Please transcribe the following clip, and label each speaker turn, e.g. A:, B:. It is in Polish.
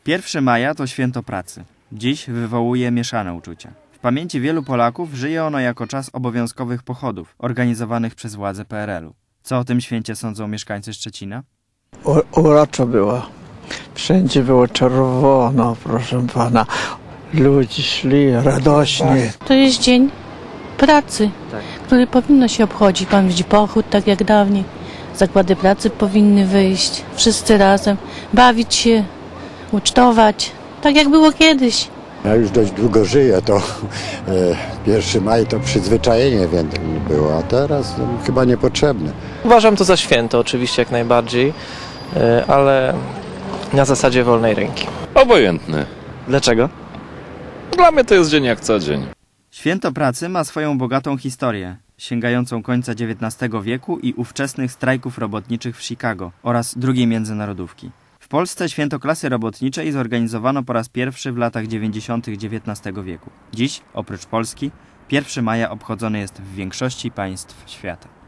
A: 1 maja to święto pracy. Dziś wywołuje mieszane uczucia. W pamięci wielu Polaków żyje ono jako czas obowiązkowych pochodów organizowanych przez władze PRL-u. Co o tym święcie sądzą mieszkańcy Szczecina?
B: Uroczo było. Wszędzie było czerwono, proszę pana. Ludzie szli radośnie.
C: To jest dzień pracy, który powinno się obchodzić. Pan widzi pochód, tak jak dawniej. Zakłady pracy powinny wyjść, wszyscy razem, bawić się, ucztować, tak jak było kiedyś.
D: Ja już dość długo żyję, to 1 maj to przyzwyczajenie było, a teraz chyba niepotrzebne.
E: Uważam to za święto, oczywiście jak najbardziej, ale na zasadzie wolnej ręki.
F: Obojętny.
E: Dlaczego?
F: Dla mnie to jest dzień jak co dzień.
A: Święto pracy ma swoją bogatą historię, sięgającą końca XIX wieku i ówczesnych strajków robotniczych w Chicago oraz II międzynarodówki. W Polsce święto klasy robotniczej zorganizowano po raz pierwszy w latach 90. XIX wieku. Dziś, oprócz Polski, 1 maja obchodzony jest w większości państw świata.